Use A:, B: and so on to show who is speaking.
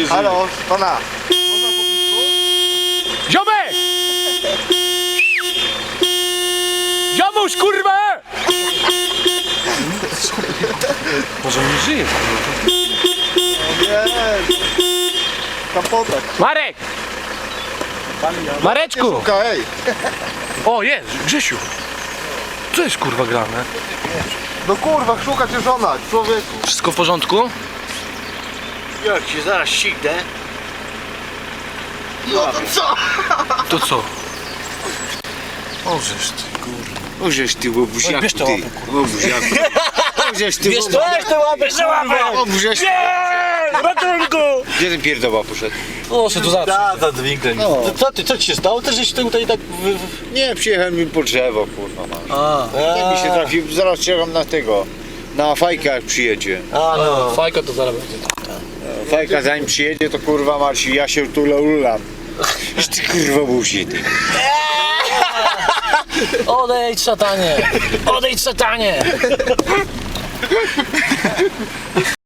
A: Halo, pana.
B: Ziomek! Ziomuś, kurwa! Może nie żyje.
A: Nie. Kapotek.
B: Marek! Mareczku!
A: Szuka, ej.
B: O, jest, Grzesiu! Co jest kurwa grane?
A: No kurwa, szuka cię żona, człowieku.
B: Wszystko w porządku?
C: Jak się zaraz ścignę.
A: No to co?
B: To co? O, żeż ty kurwa.
C: O żeś ty łobuziaku,
B: Bierz
C: ty.
B: tę łapę,
C: Łobuziaku. O żeś ty
B: Bierz
C: łobuziaku.
B: tę łapę!
C: O żeś...
B: Ratunku!
C: Gdzie ten pierdoła poszedł?
B: Proszę, tu zawsze.
D: za dźwigiem.
C: No.
D: Co ci się stało? Też żeś tutaj tak...
C: Nie, przyjechałem mi po drzewo, kurwa mam.
D: A,
C: Tak mi się trafił, zaraz czekam na tego. Na fajkę jak przyjedzie.
D: no.
B: Fajka to zaraz będzie.
C: Fajka zanim przyjedzie to kurwa Marci, ja się tu lulam. Już ty kurwa buzi ty.
B: Odejdź, szatanie! Odejdź, szatanie!